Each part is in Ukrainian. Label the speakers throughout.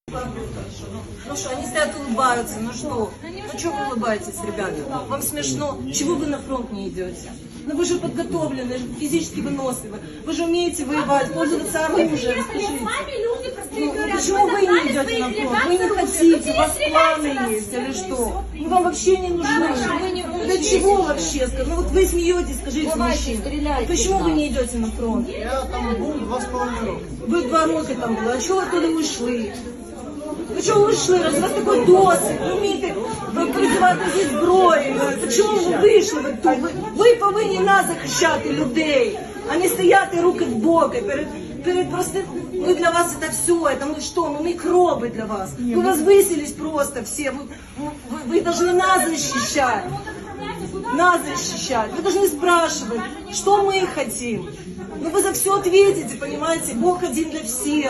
Speaker 1: Ну что, они стоят, улыбаются, ну что? Ну что вы улыбаетесь, ребята? Вам смешно? Чего вы на фронт не идете? Ну вы же подготовлены, физически выносливы. Вы же умеете воевать, пользоваться оружием, скажите. Ну, почему вы не идете на фронт? Вы не хотите, у вас планы есть или что? Мы вам вообще не нужны. Для чего вообще? Ну вот вы смеетесь, скажите, мужчина. Почему вы не идете на фронт?
Speaker 2: Я там був 2,5 роки.
Speaker 1: Ви 2 роки там були, а чого ви туди ушли? Ви чого вийшли? Раз у вас такий досвід, ви вмієте працювати зі зброєю. Чому ви вийшли? Ви повинні нас захищати, людей, а не стояти руки в боки перед просто... Мы для вас это все, это мы что, мы микробы для вас. Вы возвысились просто все, вы должны нас защищать. Нас защищать. Вы должны спрашивать, что мы хотим. Ну вы за все ответите, понимаете? Бог один для всех.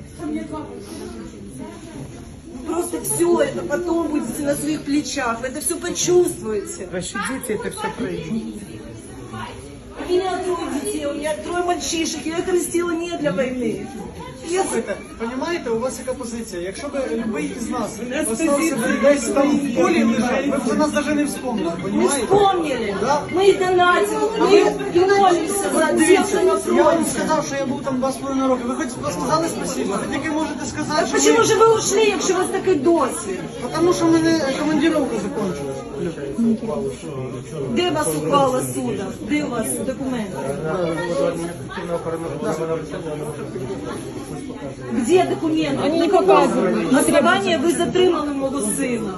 Speaker 1: Просто все это потом будете на своих плечах, вы это все почувствуете.
Speaker 2: Ваши дети это все пройдут.
Speaker 1: У меня 3 детей, у меня 3 мальчишек, я их растила не для войны.
Speaker 2: Слухайте, розумієте, у вас яка позиція? Якщо б любий із нас остався десь там в полі лежать, ви б за нас навіть не вспомнили,
Speaker 1: Мы
Speaker 2: розумієте?
Speaker 1: вспомнили,
Speaker 2: Да?
Speaker 1: мы их донатили, мы и молимся за тех, кто на
Speaker 2: Я вам
Speaker 1: фронте.
Speaker 2: сказав, що я був там 2,5 роки. Ви хоч сказали спасибо? Ви тільки можете сказати,
Speaker 1: А
Speaker 2: що
Speaker 1: почему же вы ушли, якщо у вас такий досвід?
Speaker 2: Тому що в мене командировка закінчилась.
Speaker 1: Де вас ухвала суда? Де у вас документи? Где документы? Они не показывают. Основание вы затримали мого сина.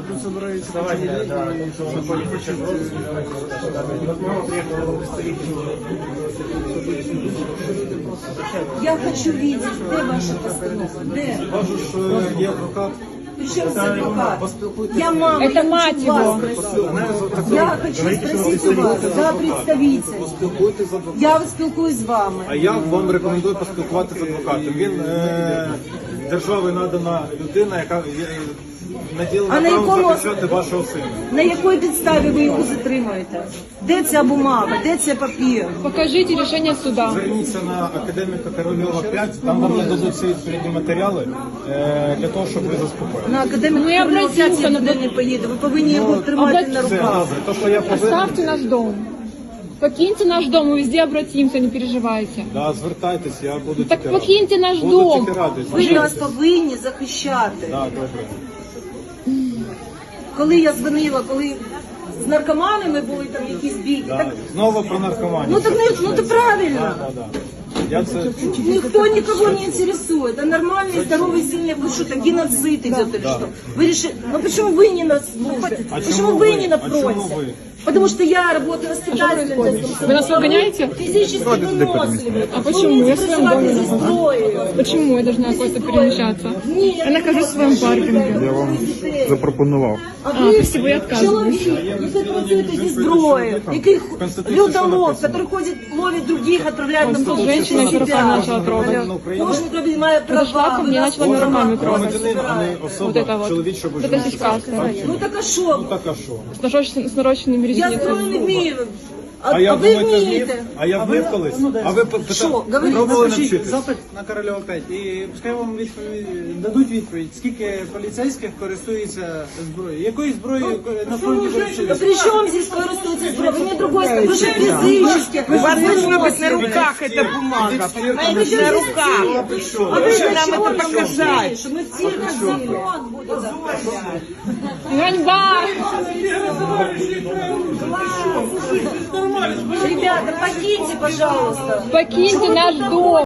Speaker 1: Я хочу видеть, де ваша постанова? Де?
Speaker 2: Кажу, що є адвокат.
Speaker 1: Причем с адвокат? Я мама,
Speaker 3: Это
Speaker 1: я
Speaker 3: мать
Speaker 1: хочу вас
Speaker 3: его.
Speaker 1: спросить. Я хочу спросить у вас, за представитель.
Speaker 2: Поспілкуйтесь з адвокатом.
Speaker 1: Я спілкуюсь з вами.
Speaker 4: А я вам рекомендую поспілкуватися з адвокатом. Він держави надана людина, яка
Speaker 1: А
Speaker 4: наділена
Speaker 1: на
Speaker 4: правом
Speaker 1: якому-
Speaker 4: захищати вашого сина.
Speaker 1: На якій підставі ви його затримуєте? Де ця бумага? Де цей папір?
Speaker 3: Покажите решение суда.
Speaker 4: Зверніться на академіка Корольова 5, там вам нададуть всі відповідні матеріали для того, щоб ви заспокоїли.
Speaker 1: На академіку
Speaker 3: Ну, я
Speaker 1: Корольова 5 я
Speaker 3: обратимся
Speaker 1: туди не поїду. Ви повинні його тримати на
Speaker 4: Це
Speaker 1: руках.
Speaker 4: гази. То, що я повинен,
Speaker 3: Оставьте наш дом. Покиньте наш дом, мы везде обратимся, не переживайте.
Speaker 4: да, звертайтесь, я буду
Speaker 3: Так
Speaker 4: тільки
Speaker 3: покиньте наш
Speaker 4: Буду
Speaker 3: дом.
Speaker 4: тільки радий.
Speaker 1: Ви нас повинні захищати.
Speaker 4: Да, добре.
Speaker 1: Коли я дзвонила, коли з наркоманами були там якісь бійки,
Speaker 4: Да.
Speaker 1: так,
Speaker 4: Знову про наркоманію.
Speaker 1: ну так ну це правильно.
Speaker 4: Да, да. Я це
Speaker 1: Никто никого не интересует. А нормальный, здоровый, сильный, вы что-то геноцид идет или что? Вы решили, ну почему вы не на службе?
Speaker 4: А
Speaker 1: Почему
Speaker 4: чему
Speaker 1: вы
Speaker 4: вы?
Speaker 1: не на
Speaker 4: А чему
Speaker 1: фронте?
Speaker 4: вы?
Speaker 1: Потому что я работаю воспитателем.
Speaker 3: Вы нас выгоняете?
Speaker 1: Физически выносливы.
Speaker 3: А почему? Я в своем доме
Speaker 1: за зброєю.
Speaker 3: Почему я должна куда-то перемещаться?
Speaker 1: Ні,
Speaker 3: Я нахожусь в своем паркинге.
Speaker 1: Я вам
Speaker 5: запропонував.
Speaker 1: А ви
Speaker 3: спасибо, я отказываюсь.
Speaker 1: чоловік, який працюєте зі зброєю, який
Speaker 4: Конституції що
Speaker 1: людолов,
Speaker 4: написано?
Speaker 1: который ходит, ловит других, отправляет на фронт.
Speaker 3: Женщина с руками начала трогать.
Speaker 1: Кожен робить має
Speaker 3: Подошла
Speaker 1: права.
Speaker 3: ко
Speaker 1: ви
Speaker 3: мне,
Speaker 1: нас
Speaker 3: начала
Speaker 1: права.
Speaker 3: руками трогать.
Speaker 4: громадянин, а не
Speaker 3: Вот
Speaker 4: особа
Speaker 3: это вот.
Speaker 4: чоловічого
Speaker 3: Вот это
Speaker 4: життя.
Speaker 3: сиська.
Speaker 1: Ну так а що?
Speaker 4: Так а що?
Speaker 3: С нарощенными
Speaker 1: Я
Speaker 3: ресницами.
Speaker 1: зброю не вмію.
Speaker 4: А я
Speaker 1: ви
Speaker 4: думаєте, вмів?
Speaker 1: вмієте.
Speaker 4: А я вмів колись? А ви
Speaker 1: Що? Говоріть,
Speaker 4: пробували
Speaker 2: Напишіть
Speaker 4: навчитись?
Speaker 2: запит на Корольова 5 і пускай вам дадуть відповідь, скільки поліцейських користується зброєю. Якою зброєю на фронті
Speaker 1: Да
Speaker 2: користуються?
Speaker 1: при чем здесь користуется зброя? Вы не другой, вы же физически.
Speaker 6: У вас должно быть на руках эта бумага, понимаете, на руках.
Speaker 1: А вы же
Speaker 6: нам это показать.
Speaker 1: Что мы в цирк ходили.
Speaker 3: Ганьба!
Speaker 1: Ребята, покиньте, пожалуйста.
Speaker 3: Покиньте наш дом.